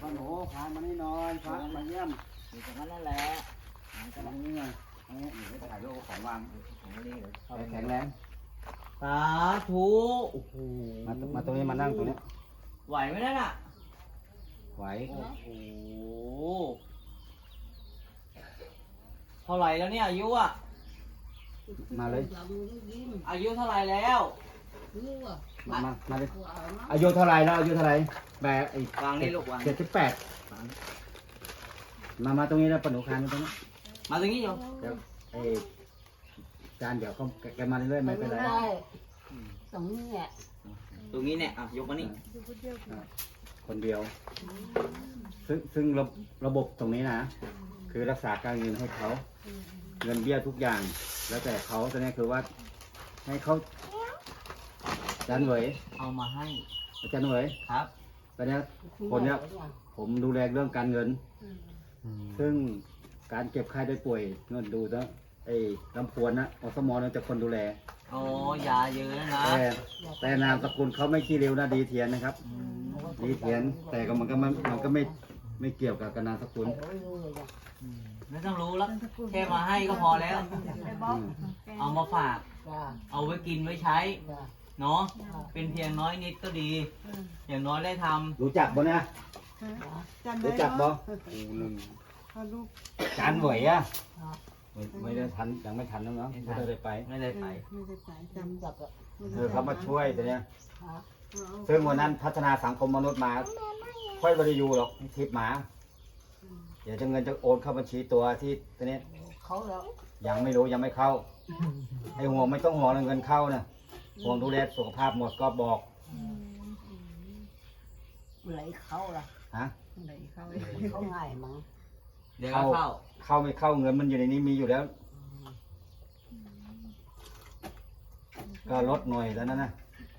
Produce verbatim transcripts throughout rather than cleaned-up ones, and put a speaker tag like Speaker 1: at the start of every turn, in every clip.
Speaker 1: พ่อหนูพามานี่นอนพามาเยี่ยม
Speaker 2: อยู่ตรงนั้นนั่นแหละมันก็
Speaker 1: ตรงนี้ไงตรงนี้อยู่ที่ถ่ายรูปของวาง
Speaker 2: ของนี่เดี๋ยวเข้า
Speaker 1: แข็งแรง
Speaker 2: สาธุโอ้โห
Speaker 1: มามาตรงนี้มานั่งตรงนี้
Speaker 2: ไหวไหมนั่นอ่ะ
Speaker 1: ไหว
Speaker 2: โอ้โหเท่าไหร่แล้วเนี่ยอายุอ่ะ
Speaker 1: มาเลย
Speaker 2: อายุเท่าไหร่แล้ว
Speaker 1: มามามาเลยอายุเท่าไรแล้วอายุเท่าไรแบบไอ้
Speaker 2: วางนี่ลูกวาง
Speaker 1: เจ็ดสิบแปดมามาตรงนี้แล้วปนุคานตรงนี้
Speaker 2: มาตรงนี้โยม
Speaker 1: เดี๋ยวไอ้จานเดี๋ยวเขาแกมาเรื่อยๆไม่เป็นไร
Speaker 3: ตรงนี้แหละ
Speaker 2: ตรงนี้เนี่ยอ่ะยกมานี่
Speaker 1: คนเดียว ซึ่งซึ่งระระบบตรงนี้นะ คือรักษาการเงินให้เขา เงินเบี้ยทุกอย่าง แล้วแต่เขาตอนนี้คือว่า ให้เขาอาจารย์เหวย
Speaker 2: เอามาให้
Speaker 1: อาจารย์เหวย
Speaker 2: ครับ
Speaker 1: ตอนนี้คนเนี้ยผมดูแลเรื่องการเงิน ซึ่งการเก็บไข้ได้ป่วยเงินดูนะไอ้ลำพวนนะอสมอนั่นจะคนดูแล
Speaker 2: โอ้ยาเยอะแล้วนะ
Speaker 1: แต่แต่นามสกุลเขาไม่ขี้เร็วนะดีเทียนนะครับ
Speaker 2: อืม
Speaker 1: ดีเทียน แต่ก็มันก็มันมันก็ไม่ไม่เกี่ยวกับนามสกุล
Speaker 2: อืมไม่ต้องรู้แล้วแค่มาให้ก็พอแล้ว
Speaker 1: อืม
Speaker 2: เอามาฝาก
Speaker 3: จ้า
Speaker 2: เอาไว้กินไว้ใช้
Speaker 3: จ้า
Speaker 2: เนาะเป็นเพียงน้อยนิดก็ดี อย่างน้อยได้ทำ
Speaker 1: รู้จักบ่เนี่ยรู้จักบ่จานเหวยอะไม่ไม่ได้ทันยังไม่ทันนะเนาะไม่ได้ไป
Speaker 2: ไม่ได้ไป
Speaker 3: ไม่ได้สายจำจับอ่ะ
Speaker 1: เออเขามาช่วยแต่เนี้ยซึ่งวันนั้นพัฒนาสังคมมนุษย์มา ค่อยบริยูหรอกทิปหมา เดี๋ยวจะเงินจะโอนเข้าบัญชีตัวที่ตัวนี้
Speaker 3: เขาแล้ว
Speaker 1: ยังไม่รู้ยังไม่เข้า ไอ้ห่วงไม่ต้องห่วงเงินเข้านะห่วงดูแลสุขภาพหมดก็บอก
Speaker 3: ไหลเขาล่ะ
Speaker 1: ฮะ
Speaker 3: ไหลเขาเขาง่ายมั้ง
Speaker 2: เดี๋ยวก็เข้า
Speaker 1: เข้าไม่เข้าเงินมันอยู่ในนี้มีอยู่แล้ว ก็ลดหน่อยแล้วนะนะ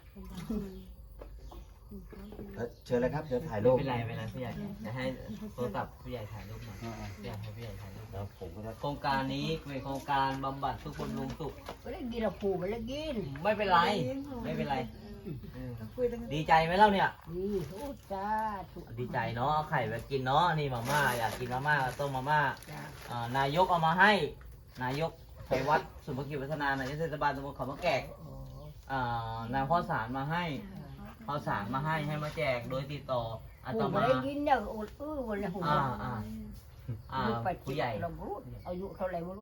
Speaker 1: เชิญเลยครับเดี๋ยวถ่ายรูป
Speaker 2: ไม่เป็นไรไม่เป็นไรผู้ใหญ่จะให้โทรศัพท์ผู้ใหญ่ถ่ายรูปหน่อยอยากให้ผู้ใหญ่ถ่ายรูป
Speaker 1: เดี๋ยวผมก็จะ
Speaker 2: โครงการนี้เป็นโครงการบำบัดทุกคนลงสุข
Speaker 3: ไม่ได้กินหรอกผูไม่ได้กิน
Speaker 2: ไม่เป็นไร ไม่เป็นไรเออดีใจไหมเล่าเนี่ย
Speaker 3: นี่โอ้จ้าถูก
Speaker 2: ดีใจเนาะเอาไข่ไปกินเนาะนี่มาม่าอยากกินมาม่าก็ต้มมาม่า
Speaker 3: จ้า
Speaker 2: อ่านายกเอามาให้ นายกไปวัดสุภกิจวัฒนานายกเทศบาลตำบลเขามะแกก
Speaker 3: โอ้
Speaker 2: อ่านำข้าวสารมาให้ข้าวสารมาให้ให้มาแจกโดยติดต่ออาต
Speaker 3: ผูไม่
Speaker 2: มา
Speaker 3: ได้กินเนี่ยอดอื้อวันละหัว
Speaker 2: อ่าอ่าอ่า
Speaker 3: ไป
Speaker 2: ผู้ใหญ่
Speaker 3: เรารู้อายุเท่าไหร่ไม่รู้